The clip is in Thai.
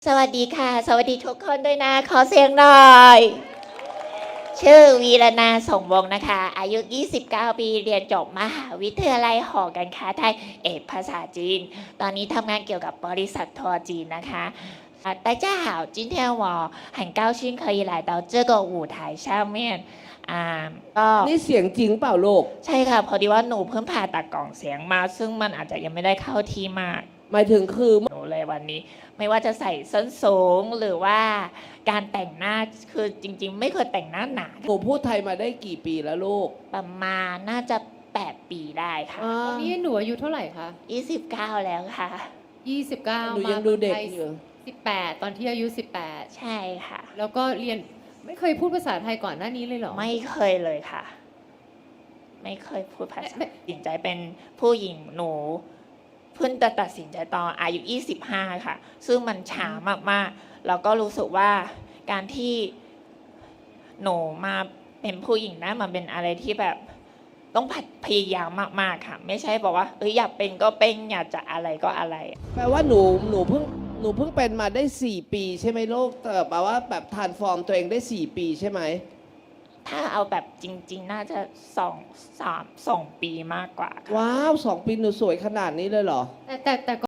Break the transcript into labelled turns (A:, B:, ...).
A: สวัสดีค่ะ สวัสดีทุกคนด้วยนะ ขอเสียงหน่อย ชื่อวีรนาส่งวงศ์นะคะ อายุ 29 ปี เรียนจบมหาวิทยาลัยหอการค้าไทย เอกภาษาจีน ตอนนี้ทำงานเกี่ยวกับบริษัททัวร์จีนนะคะ大家好，今天我很高兴可以来到这个舞台上面ก็
B: นี่เสียงจริงเปล่าลูก
A: ใช่ค่ะ พอดีว่าหนูเพิ่งผ่าตัดกล่องเสียงมา ซึ่งมันอาจจะยังไม่ได้เข้าที่มาก
B: หมายถึงคือ
A: หนูเลยวันนี้ไม่ว่าจะใส่ส้นสูงหรือว่าการแต่งหน้าคือจริงๆ ไม่เคยแต่งหน้าหนา
B: หนูพูดไทยมาได้กี่ปีแล้วลูก
A: ประมาณน่าจะ 8 ปีได้ค่ะ
C: ตอนนี้หนูอายุเท่าไหร่คะ
A: 29 แล้วค่ะ
C: 29
B: หนูยังดูเด็กอยู่
C: 18 ตอนที่อายุ
A: ใช่ค่ะ
C: 18 แล้วก็เรียนไม่เคยพูดภาษาไทยก่อนหน้านี้เลยเหรอ
A: ไม่เคยเลยค่ะ ไม่เคยพูดภาษา
C: ไม่
A: ตัดสินใจเป็นผู้หญิงหนูเพิ่งจะตัดสินใจตอนอายุ 25 ค่ะ ซึ่งมันช้ามากๆแล้วก็รู้สึกว่าการที่หนูมาเป็นผู้หญิงนะมันเป็นอะไรที่แบบต้องพยายามมากๆค่ะ ไม่ใช่บอกว่าอยากเป็นก็เป็นอยากจะอะไรก็อะไร
B: แปลว่าหนูเพิ่งเป็นมาได้ 4 ปีใช่ไหมลูกแต่แปลว่าแบบทรานส์ฟอร์มตัวเองได้ 4 ปีใช่ไหม
A: ถ้าเอาแบบจริง ๆ น่าจะ2 3 2 ปีมากกว่าค่ะ
B: ว้าว 2 ปีหนูสวยขนาดนี้เลยเหรอ
C: แต่